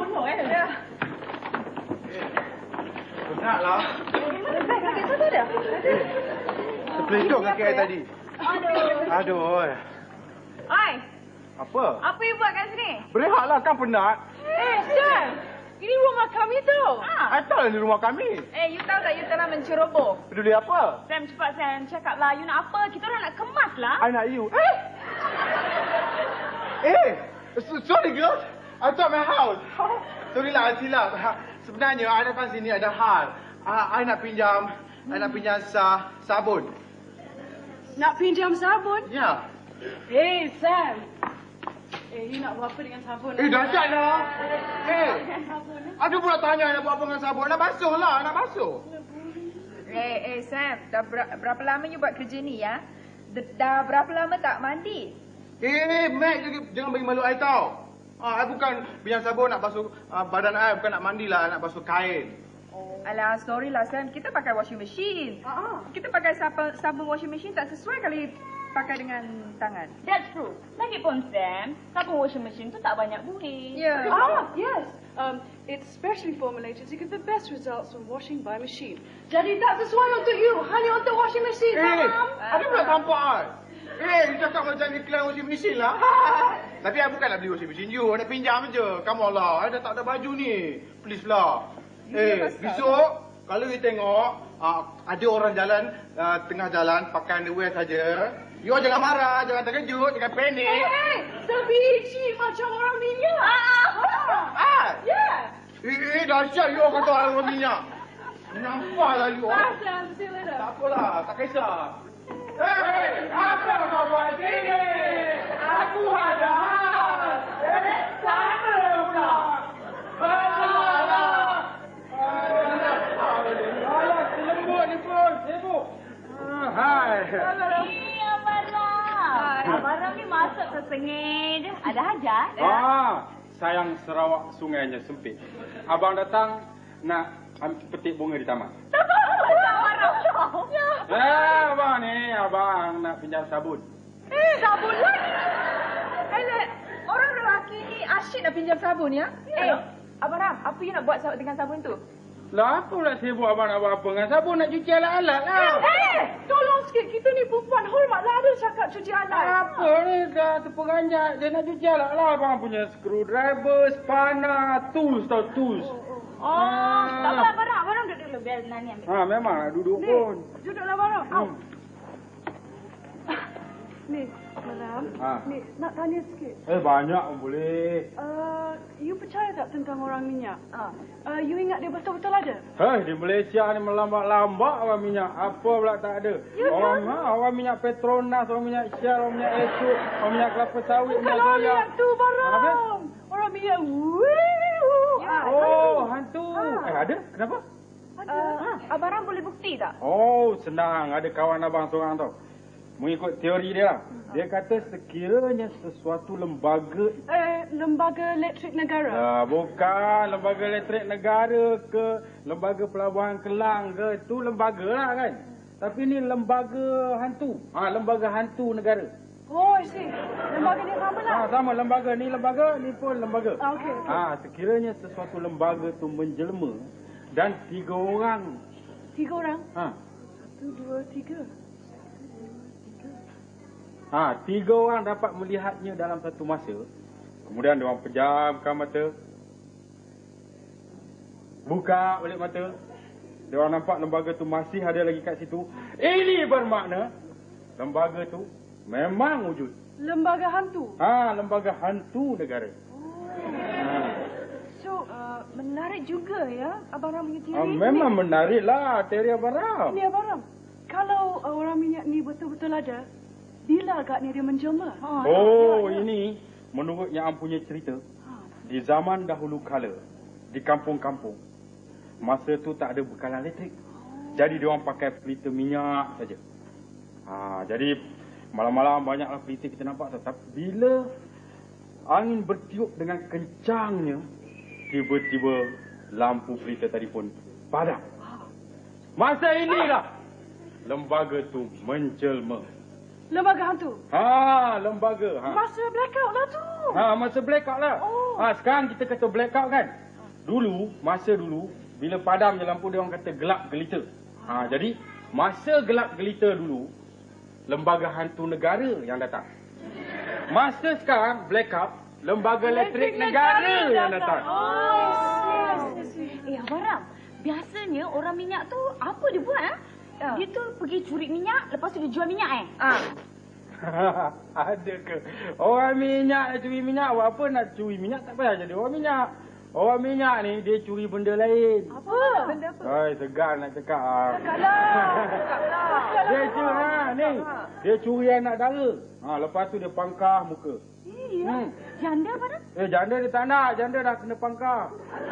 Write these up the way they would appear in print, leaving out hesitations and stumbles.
Tolong Ya. Penatlah. Kaki tu ada? Terpelencok kaki saya tadi. Aduh. Oi, Apa? apa you buat kat sini? Berehatlah, kan penat. Sam. Ini rumah kami tau. I tahu ni rumah kami. You tahu tak you telah menceroboh? Peduli apa? Sam, cepat Sam. Cakaplah, you nak apa? Kita orang nak kemas lah. I nak you. Sorry girls. I thought my house. Sorry lah, I silap. Sebenarnya, I datang sini ada hal. I nak pinjam sabun. Nak pinjam sabun? Ya. Sam. You nak buat apa dengan sabun? Dahsyat lah. Ada pula tanya nak buat apa dengan sabun. Nak basuh lah, nak basuh. Sam. Dah berapa lama you buat kerja ni, ya? Dah berapa lama tak mandi? Mac, jangan bagi malu I tau. I bukan pinjam sabun nak basuh badan I, bukan nak mandi lah, nak basuh kain. Alah, sorry lah Sam. Kita pakai washing machine. Kita pakai sabun washing machine tak sesuai kali pakai dengan tangan. That's true. Lagipun Sam, sabun washing machine tu tak banyak buri. Ya. Yes. It's specially formulated to get the best results from washing by machine. Jadi tak sesuai untuk you, hanya untuk washing machine. Ada pula tampak I. You cakap macam iklan washing machine lah. Tapi I bukan nak beli washing machine you, nak pinjam je. Come on lah, I dah tak ada baju ni. Please lah. Besok, kalau you tengok ada orang jalan, tengah jalan pakai underwear saja, you jangan marah, jangan terkejut, jangan panik. Sebiji macam orang minyak. Yeah. Dahsyat you kata orang minyak. Nampaklah you. Sam, see you later. Tak apalah, tak kisah. Apa kau buat sini? Aku ada hal. Sama pula. Alah, lembut ni pun. Sibuk. Hai. Abang ni masuk tersengih je. Ada hajat? Sayang Sarawak sungainya sempit. Abang datang nak petik bunga di taman. Abang ni, abang nak pinjam sabun. Sabun lagi. Orang lelaki ni asyik nak pinjam sabun, ya? Abang Ram, apa you nak buat dengan sabun tu? Lah, apa pula sibuk abang nak buat apa dengan sabun? Nak cuci alat-alat lah. Tolong sikit, kita ni perempuan hormatlah ada cakap cuci alat. Apa ni, dah terperanjat. Dia nak cuci alat lah. Abang punya screwdriver, spanner, tools tau, tools. Tak apa, Abang Ram duduk dulu. Biar Nani ambil. Memang nak duduk pun. Duduklah barang. Ni, Maram. Ni, nak tanya sikit. Banyak pun boleh. You percaya tak tentang orang minyak? You ingat dia betul-betul ada? Di Malaysia ni melambat-lambat orang minyak. Apa pula tak ada. Orang minyak Petronas, orang minyak Shell, orang minyak Esok, orang minyak kelapa sawit, Bukan orang minyak tu, Barang. Orang minyak hantu. Ada? Kenapa? Abang Ram boleh bukti tak? Senang. Ada kawan abang seorang tau. Mengikut teori dia lah. Dia kata sekiranya sesuatu lembaga... lembaga elektrik negara? Bukan. Lembaga elektrik negara ke lembaga pelabuhan Kelang ke. Itu lembaga lah kan. Tapi ni lembaga hantu. Lembaga hantu negara. I see. Lembaga ni sama lah? Sama lembaga. Ni pun lembaga. Okey. Sekiranya sesuatu lembaga tu menjelma dan 3 orang. 3 orang? 1, 2, 3. 3 orang dapat melihatnya dalam satu masa. Kemudian diorang pejamkan mata. Buka balik mata. Diorang nampak lembaga tu masih ada lagi kat situ. Ini bermakna lembaga tu memang wujud. Lembaga hantu? Lembaga hantu negara. So, menarik juga ya Abang Ram punya teori. Memang menarik lah teori Abang Ram. Ni Abang Ram, kalau orang minyak ni betul-betul ada, bila agaknya dia menjelma? Ini menurut yang punya cerita. Di zaman dahulu kala, di kampung-kampung, masa tu tak ada bekalan elektrik. Jadi diorang pakai pelita minyak saja. Jadi malam-malam banyaklah pelita kita nampak. Tapi bila angin bertiup dengan kencangnya, tiba-tiba lampu pelita tadi pun padam. Masa inilah lembaga tu menjelma. Lembaga hantu? Lembaga. Masa blackout lah tu. Masa blackout lah. Sekarang kita kata blackout kan. Masa dulu, bila padam je lampu, dia orang kata gelap gelita. Jadi, masa gelap gelita dulu, lembaga hantu negara yang datang. Masa sekarang, blackout, lembaga elektrik negara yang datang. Abang Ram, biasanya orang minyak tu apa dia buat? Dia tu pergi curi minyak, lepas tu dia jual minyak Ada ke? Orang minyak nak curi minyak, buat apa nak curi minyak? Tak payah jadi orang minyak. Orang minyak ni, dia curi benda lain. Apa? Benda apa? Segan nak cakap. Cakaplah. Dia curi anak dara. Lepas tu dia pangkah muka. Iya. Janda apa dah? Janda dia tak nak. Janda dah kena pangkah.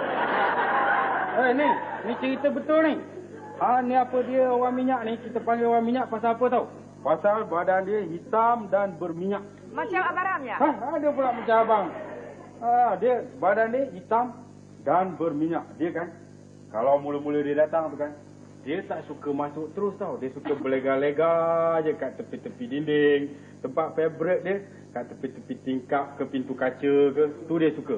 Ni cerita betul ni. Ni apa dia orang minyak ni, kita panggil orang minyak pasal apa tau? Pasal badan dia hitam dan berminyak. Macam Abang Ram ya? Ada pula macam abang. Dia badan dia hitam dan berminyak. Dia kan, kalau mula-mula dia datang tu kan, dia tak suka masuk terus tau. Dia suka berlega-lega je kat tepi-tepi dinding. Tempat favourite dia kat tepi-tepi tingkap ke pintu kaca ke. Tu dia suka.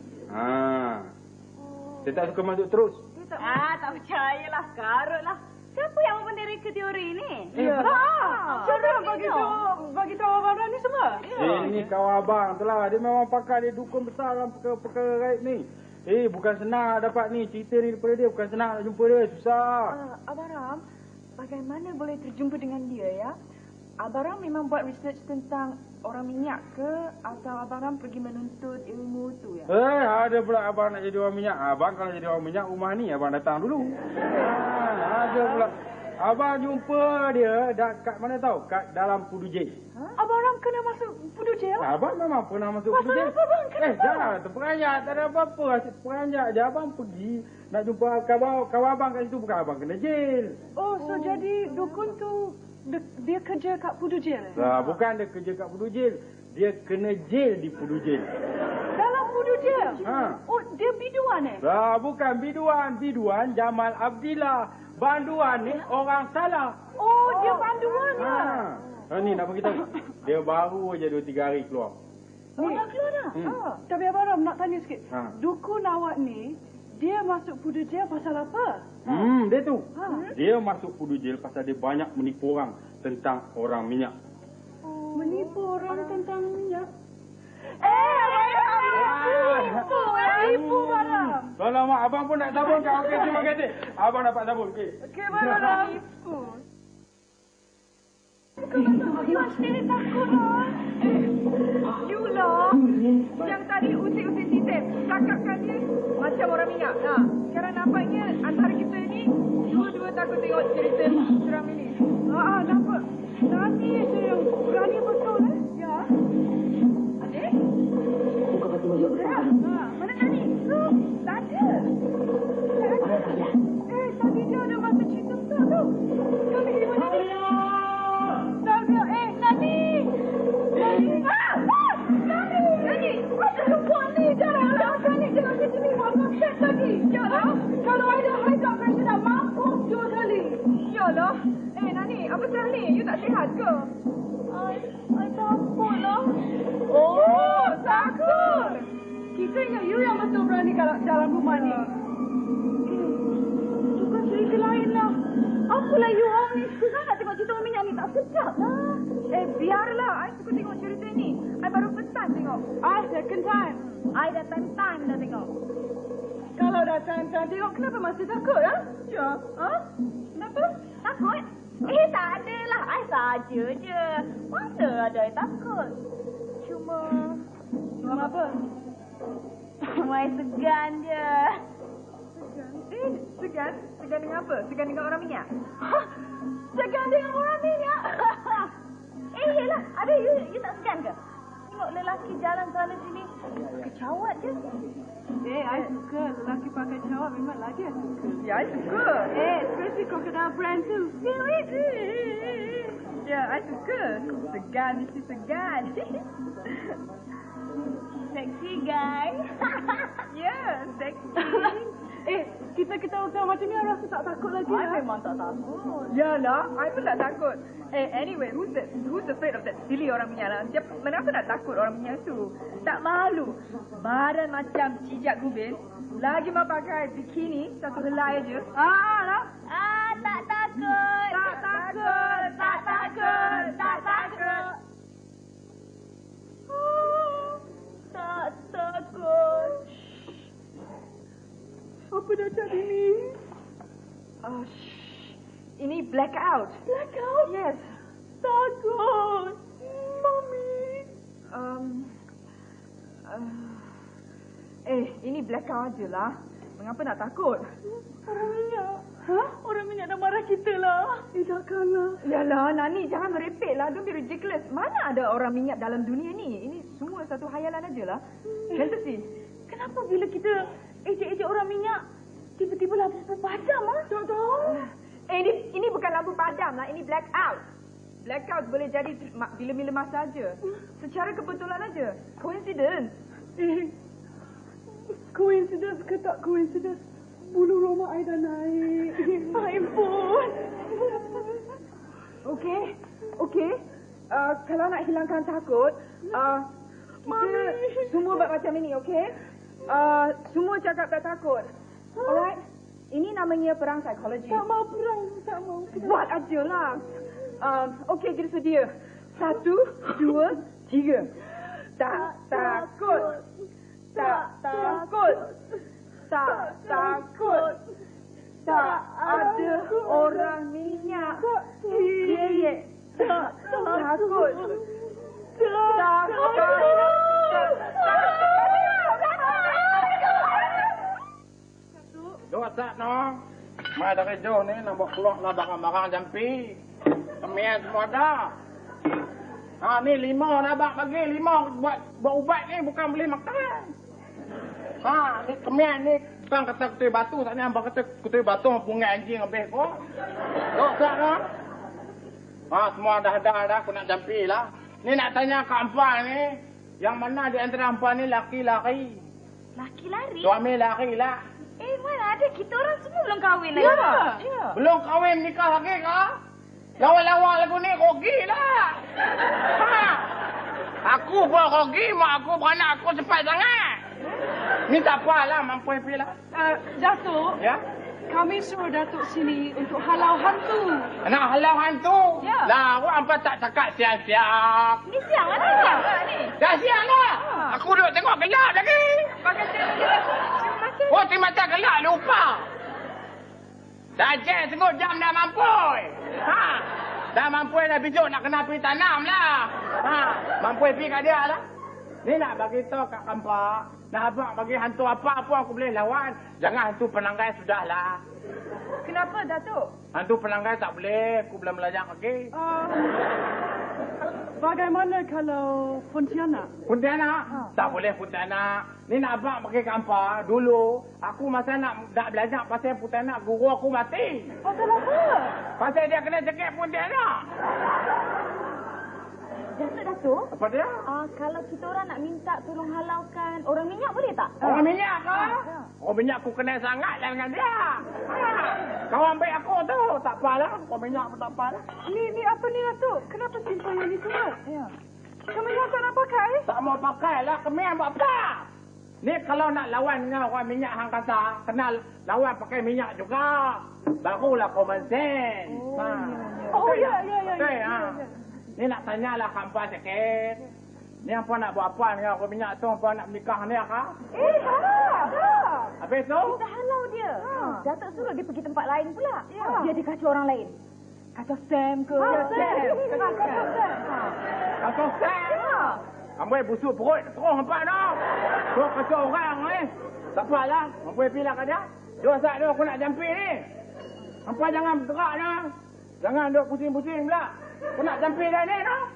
Dia tak suka masuk terus. Tak percayalah, karut lah. Siapa yang membenarkan teori ni? Siapa yang bagi tahu Abang Ram ni semua? Ini kawan abang tu lah. Dia memang pakar, dia dukun besar dalam perkara gaib ni. Bukan senang dapat ni cerita ni daripada dia. Bukan senang nak jumpa dia, susah. Abang Ram, bagaimana boleh terjumpa dengan dia ya? Abang Ram memang buat research tentang orang minyak ke? Atau Abang Ram pergi menuntut ilmu tu ya? Ada pula abang nak jadi orang minyak. Abang kalau jadi orang minyak, rumah ni abang datang dulu. Ada pula. Abang jumpa dia kat mana tahu? Kat dalam Pudu Jail. Abang Ram kena masuk Pudu Jail? Abang memang pernah masuk Pudu Jail. Pasal apa bang? Kenapa? Jangan terperanjat. Tak ada apa-apa. Asyik terperanjat je. Abang pergi nak jumpa kawan abang kat situ. Bukan abang kena jail. So jadi dukun tu dia kerja kat Pudu Jail? Bukan dia kerja kat Pudu Jail. Dia kena jail di Pudu Jail. Dalam Pudu Jail? Dia biduan Bukan biduan. Biduan Jamal Abdillah. Banduan ni orang salah. Dia banduan Ni nak beritahu. Dia baru je 2-3 hari keluar. Dah keluar dah? Tapi Abang Ram nak tanya sikit. Dukun awak ni, dia masuk Pudu Jail pasal apa? Dia tu. Dia masuk Pudu Jail pasal dia banyak menipu orang tentang orang minyak. Menipu orang tentang minyak? Tipu Abang. Kalau mak abang pun nak sabun kat. Okey, terima kasih. Abang dapat sabun. Okey, Abang Ram. Tipu. You sendiri takut lah. You lah yang tadi usik-usik sistem. Cakapkan dia macam orang minyak. Sekarang nampaknya antara kita ni dua-dua takut tengok cerita seram ini. Nampak. Nani je yang berani betul Ya. Adik? Mana Nani? Tak ada. Tadi dia ada masa cerita betul tu. Kali di mana ni? Nani! Nani! Apa perempuan ni? Jangan panik. Jangan ke sini. Mama set lagi. Kalau ada high blood pressure dah mampus 2 kali. Yalah. Nani, apa sah ni? You tak sihat ke? I takut lah. Takut. Kita ingat you yang betul berani kalau dalam rumah ni. Bukan cerita lain lah. Apalah you orang ni suka sangat tengok cerita orang minyak ni. Tak sedap lah. Biarlah. I suka tengok cerita ni. I baru first time tengok. Second time. I dah time dah tengok. Kalau dah time tengok, kenapa masih takut lah? Ya. Kenapa? Takut? Tak adalah. I saja je. Mana ada I takut. Cuma apa? Cuma I segan je. Segan? Segan dengan apa? Segan dengan orang minyak? Segan dengan orang minyak? Yelah. Ada you tak segan ke? Tengok lelaki jalan sana sini. Kecawat je. I suka. Lelaki pakai cawat memang lagi I suka. Ya, I suka. Especially crocodile brand tu. Ya, I suka. Segan, mesti segan. Sexy guy. Ya, seksi. kita ketawa-ketawa macam ni, I rasa tak takut lagi. I memang tak takut. Yalah, I pun tak takut. Anyway, who's afraid of that silly orang minyak lah? Kenapa nak takut orang minyak tu? Tak malu. Badan macam cicak gubin. Lagi mau pakai bikini, satu helai aja. Lah. Tak takut. Tak takut. Tak takut. Tak takut. Tak takut. Apa dah jadi ni? Ini blackout. Blackout? Yes. Takut. Mami. Ini blackout je lah. Mengapa nak takut? Orang minyak. Hah? Orang minyak dah marah kita lah. Takkanlah. Yalah, Nani, jangan merepek lah. Don't be ridiculous. Mana ada orang minyak dalam dunia ni? Ini semua satu hayalan aja lah. Fantasy. Kenapa bila kita ejek-ejek orang minyak, tiba-tiba lampu padam, ah? Tak tahu. Ini bukan lampu padam lah. Ini blackout. Blackout boleh jadi bila-bila masa aja. Secara kebetulan aja. Coincidence. Coincidence ke tak coincidence? Bulu roma I dah naik. Ampun. Okey. Kalau nak hilangkan takut, kita semua buat macam ini, okey? Semua cakap tak takut. Alright? Ini namanya perang psikologi. Tak mau perang, tak mau. Buat aja lah. Okey, kita sedia. 1, 2, 3. Tak takut. Tak takut. Tak takut. Tak ada orang minyak. Ye. Tak takut. Tak Dua tak no. Mai dah kerja ni nak buat keluar lah barang-barang jampi. Kemian semua dah. Ni 5 nak bagi 5 buat ubat ni bukan beli makan. Ni kemian ni Bang kata kutui batu, tak ni abang kata kutui batu pungai anjing habis kau. Dok tak no? Semua dah aku nak jampi lah. Ni nak tanya kat Ampang ni, yang mana di antara Ampang ni laki-laki? Laki lari? Suami lari lah. Mana ada, kita orang semua belum kahwin lagi. Ya. Belum kahwin nikah lagi kah? Lawan-lawan lagu ni rugi lah. Aku pun rugi, mak aku beranak aku cepat sangat. Ni tak apalah, mampu happy lah. Datuk, Ya? kami suruh Datuk sini untuk halau hantu. Nak halau hantu? Ya. Lah, awak apa tak cakap siap-siap? Ni siang lah ni. Dah siap lah. Aku duduk tengok gelap lagi. Pakai Terima mata gelap lupa. Saja tengok jam dah mampu. Dah mampu dah besok nak kena pergi tanam lah. Mampu pergi kat dia lah. Ni nak bagi tahu kat Kampak. Nak abang bagi hantu apa pun aku boleh lawan. Jangan hantu penanggai sudahlah. Kenapa, Datuk? Hantu penanggai tak boleh. Aku belum belajar lagi. Bagaimana kalau Pontianak? Pontianak? Tak boleh Pontianak. Ni nak abang bagi Kampak. Dulu, aku masa nak belajar pasal Pontianak, guru aku mati. Pasal apa? Pasal dia kena cekik Pontianak. Datuk. Apa dia? Kalau kita orang nak minta tolong halaukan orang minyak boleh tak? Orang minyak kah? Orang minyak aku kenal sangat lah dengan dia. Kawan baik aku tu. Tak apalah. Orang minyak pun tak apalah. Ni apa ni Datuk? Kenapa simpan yang ni semua? Ya. Kami tak nak pakai? Tak mau pakai lah. Kami buat apa? Ni kalau nak lawan dengan orang minyak hang kata, kena lawan pakai minyak juga. Barulah common sense. Ya. Ni nak tanyalah Kampak sikit. Ni apa nak buat apa dengan orang minyak tu? Apa nak menikah ni kah? Habis tu? Kita halau dia. Datuk suruh dia pergi tempat lain pula. Dia dikacau orang lain. Kacau Sam ke? Kacau Sam? Ambil busuk perut terus nampak dah. Terus kacau orang ni. Tak apalah. Ambil pilih kat dia. Dua saat tu aku nak jampi ni. Hampa jangan bergerak dah. Jangan duk pusing-pusing pula. Aku nak jampi dah ni dah.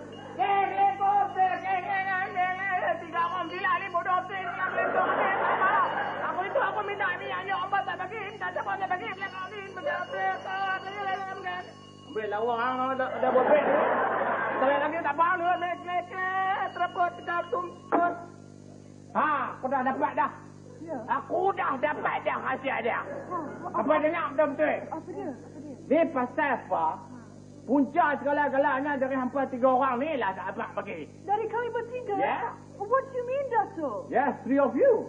Tiga orang bila ni bodoh tu ni yang letak ni. Aku itu aku minta ni hanya orang tak bagi. Tak siapa nak bagi. Belakang ni macam apa. Ambil lawang ada bobek ni. Tarik lagi tak faham ni. Teraput, tegak, tumput. Aku dah dapat dah. Ya. Aku dah dapat dah rahsia dia. Apa dengar betul-betul? Apa dia? Ni pasal apa? Punca segala-galanya dari hampa 3 orang ni lah tak abang bagi. Dari kami bertiga? Yeah. What do you mean, Dato'? Yes, 3 of you.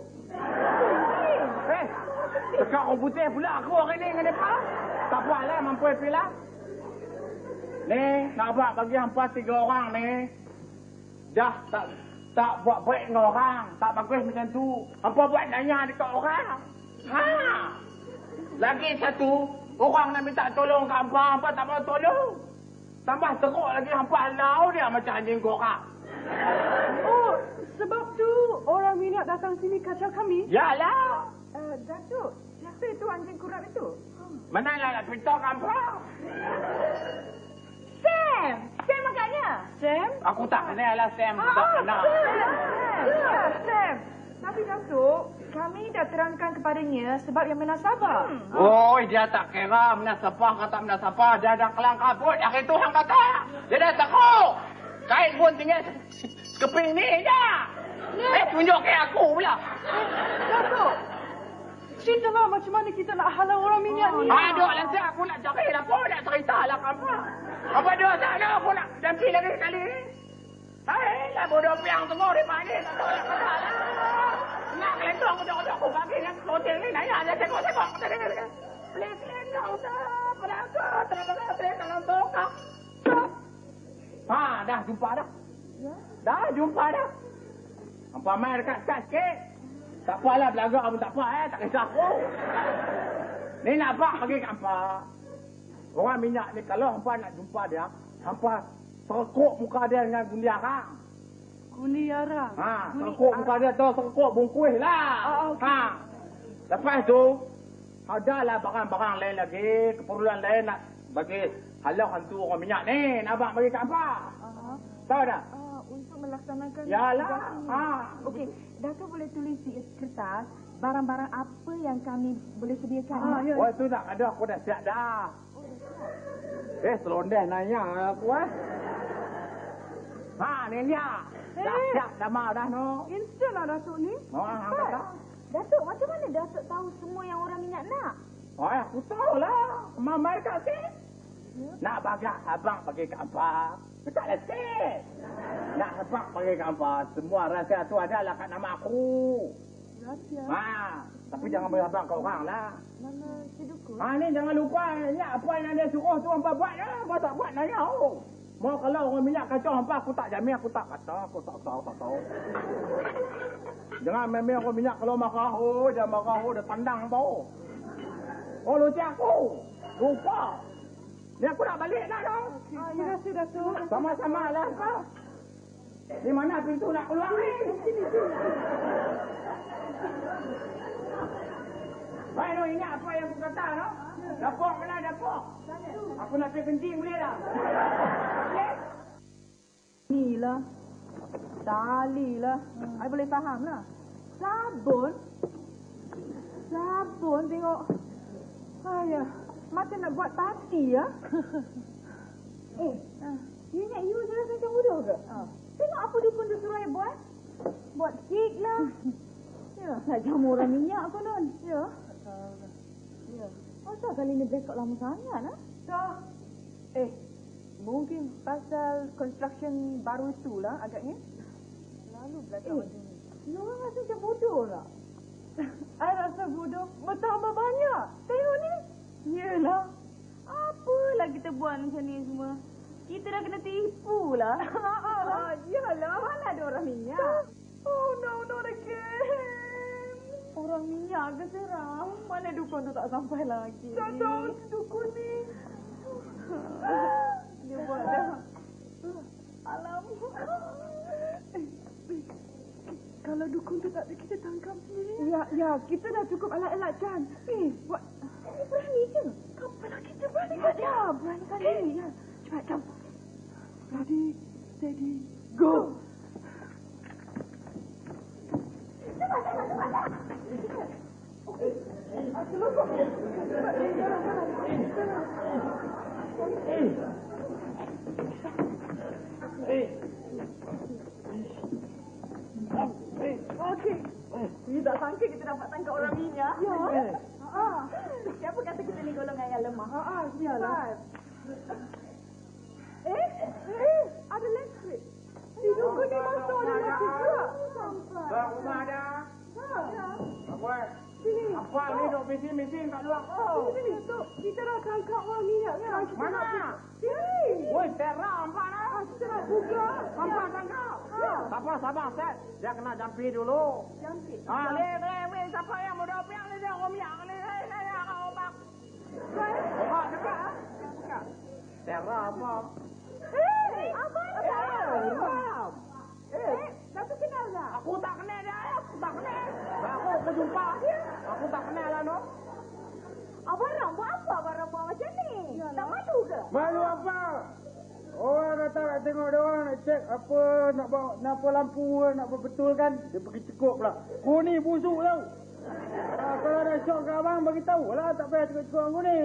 Cakap orang putih pula aku hari ni dengan mereka. Tak buatlah mampu pilih. Ni, nak abang bagi hampa 3 orang ni. Dah tak buat baik dengan orang. Tak bagus macam tu. Hampa buat nanya dekat orang. Ha. Lagi satu, orang nak minta tolong kat hampa tak mau tolong. Tambah teruk lagi hampa halau dia macam anjing korak. Oh, sebab tu orang minyak datang sini kacau kami? Yalah. Datuk, siapa itu anjing kurap itu? Mana lah nak pintar hampa? Sam! Sam agaknya. Sam? Aku tak kenal lah Sam. Tak kenal. Ya, Sam. Tapi Datuk, kami dah terangkan kepadanya sebab yang menasabah. Oh, dia tak kira menasabah kata menasabah. Dia dah kelang kabut. Hari tu hang kata. Dia dah takut. Kain pun tinggal sekeping ni je. Tunjuk ke aku pula. Dato', ceritalah macam mana kita nak halau orang minyak ni. Aduh, nanti aku nak cari lah pun. Nak cerita lah apa. Apa dosa ada aku nak dampi lagi sekali ni. Hai lah bodoh piang semua di pagi. Tak tahu nak kata lah. Nak kelentong aku bagi nak hotel ni. Naya aja sekok-sekok. Kelentong tak. Pelakot. Terang-terang kalau tokak. Ha, dah jumpa dah. Dah jumpa dah. Hampa main dekat-dekat sikit. Tak apalah belagak pun tak apa tak kisah aku. Ni nak apa bagi kat hampa. Orang minyak ni kalau hampa nak jumpa dia, hampa serkuk muka dia dengan gundi arang. Gundi arang? Ha, serkuk muka dia tu, serkuk bungkuih lah. Okay. Ha. Lepas tu, adalah barang-barang lain lagi, keperluan lain nak bagi halau hantu orang minyak ni. Nak abang bagi kat hampa. Tahu tak? Untuk melaksanakan... Yalah. Ha. Okey, Datuk boleh tulis di kertas barang-barang apa yang kami boleh sediakan. Ya. Oh, tu nak ada aku dah siap dah. Selondeh nanya aku Ha, ni dia. Dah siap dah mau dah no. Instant lah Datuk ni. Oh, hang kata. Datuk, macam mana Datuk tahu semua yang orang minyak nak? Oh, aku tahulah. Mamai kat sini. Nak bagak abang bagi kat apa? Dekat sikit. Nak abang bagi kat apa? Semua rahsia tu adalah kat nama aku. Rahsia? Ha, tapi jangan bagi abang kat orang lah. Nama si Dukun? Ha, ni jangan lupa. Ingat apa yang dia suruh tu hampa buat ya. Hampa tak buat nanya aku. Mau kalau orang minyak kacau hampa, aku tak jamin, aku tak kata. Aku tak tahu. Jangan memang orang minyak kalau marah, dia marah, dia tandang tau. Oh, lu cik aku. Lupa. Ni aku nak balik dah tau. Terima kasih Datuk. Sama-sama lah kau. Di mana pintu nak keluar ni? Baik, no, ingat apa yang aku kata, no? Dapur mana dapur? Aku nak pergi kencing boleh tak? Boleh? Inilah. Talilah. I boleh faham lah. Sabun? Sabun tengok. Ayah, macam nak buat parti ya? You ingat you jelas macam bodoh ke? Tengok apa Dukun tu suruh I buat. Buat kek lah. Ya. Nak jamu orang minyak pun non. Ya. Masa kali ni break out lama sangat lah. Dah. Mungkin pasal construction baru itulah agaknya. Lalu belakang macam ni. You orang rasa macam bodoh lah. I rasa bodoh bertambah banyak. Tengok ni. Yelah. Apalah kita buat macam ni semua. Kita dah kena tipu lah. Yalah. Mana ada orang minyak? Oh no, not again. Orang minyak ke seram? Mana Dukun tu tak sampai lagi? Tak tahu Dukun ni. Dia buat dah. Alamak. Kalau Dukun tu tak ada, kita tangkap sendiri. Ya, kita dah cukup alat-alat Chan. Buat. Berani je. Kapalah kita berani? Ya, berani kali. Ya. Cepat, jom. Ready, steady, go. Okey. Tidak sangka kita dapat tangkap orang minyak. Ya. Siapa kata kita ni golongan yang lemah? Iyalah. Ada elektrik. Hidup ni masuk ada elektrik pula. Sampai. Bang, rumah ada. Apa? Sini. Apa ni duk mesin kat luar? Sini. Kita dah tangkap orang minyak kan? Mana? Sini. Woi, terang apa dah? Kita nak buka. Hampa tangkap. Sabar, Set. Dia kena jampi dulu. Jampi. Weh, siapa yang mau dopiang ni dia orang minyak ni? Hei, kau bang. Buka, cepat. Terang apa? Abang. Datuk kenal tak? Aku tak kenal dia. Aku jumpa. Aku tak kenal lah, no. Abang buat apa abang buat macam ni? Tak malu ke? Malu apa? Orang kata nak tengok dia orang nak cek apa nak apa lampu nak betulkan. Dia pergi cekuk pula. Kau ni busuk tau. Kalau ada syok ke abang bagi tahu lah, tak payah cekuk-cekuk aku ni.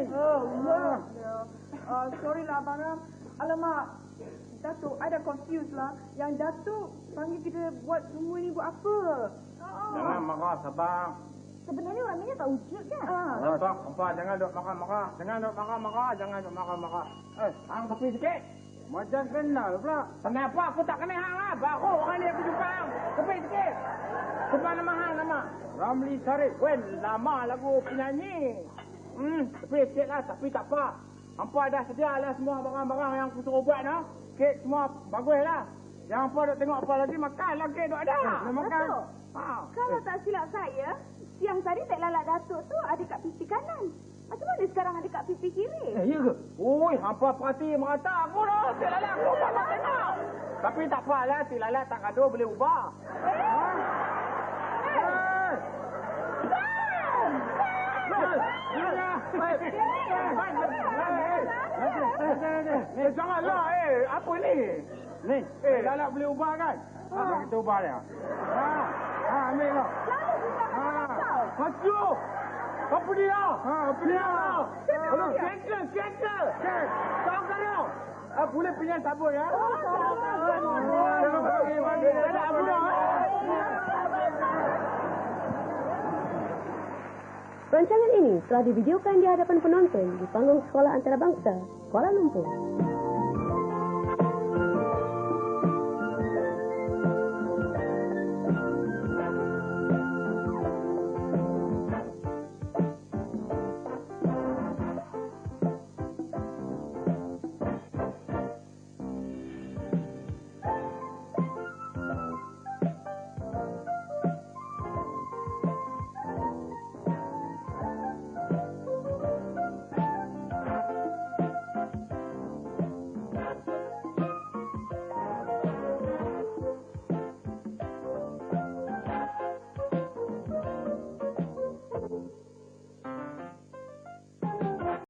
Sorry lah Abang Ram. Alamak. Datuk, I dah confused lah. Yang Datuk panggil kita buat semua ni buat apa? Jangan marah, sabar. Sebenarnya orang minyak tak wujud kan? Nampak, jangan duk marah-marah. Jangan duk marah-marah. Hang tepi sikit. Macam kenal pula. Kenapa aku tak kenal hang lah? Baru orang ni aku jumpa hang. Tepi sikit. Sebab nama hang nama. Ramli Sarip. Wen, lama lagu penyanyi. Tepi sikit lah, tapi tak apa. Hampa dah sedia lah semua barang-barang yang aku suruh buat no. Kek semua bagus lah. Yang hampa duk tengok apa lagi, makan lah kek duk ada. Makan. Kalau tak silap saya, siang tadi Tek Lalat Datuk tu ada kat pipi kanan. Macam mana sekarang ada kat pipi kiri? Ya ke? Oi, hampa perhati merata aku dah. Cik Lalat aku tak tengok. Tapi tak apalah, Cik Lalat tak gaduh boleh ubah. Janganlah, apa ni? Ni, Lalat boleh ubah kan? Kita ubah dia. Ambil kau. Hancur! Apa dia? Apa dia? Kereta! Kau kena! Boleh pinjam sabun ya? Rancangan ini telah divideokan di hadapan penonton di panggung Sekolah Antarabangsa, Kuala Lumpur.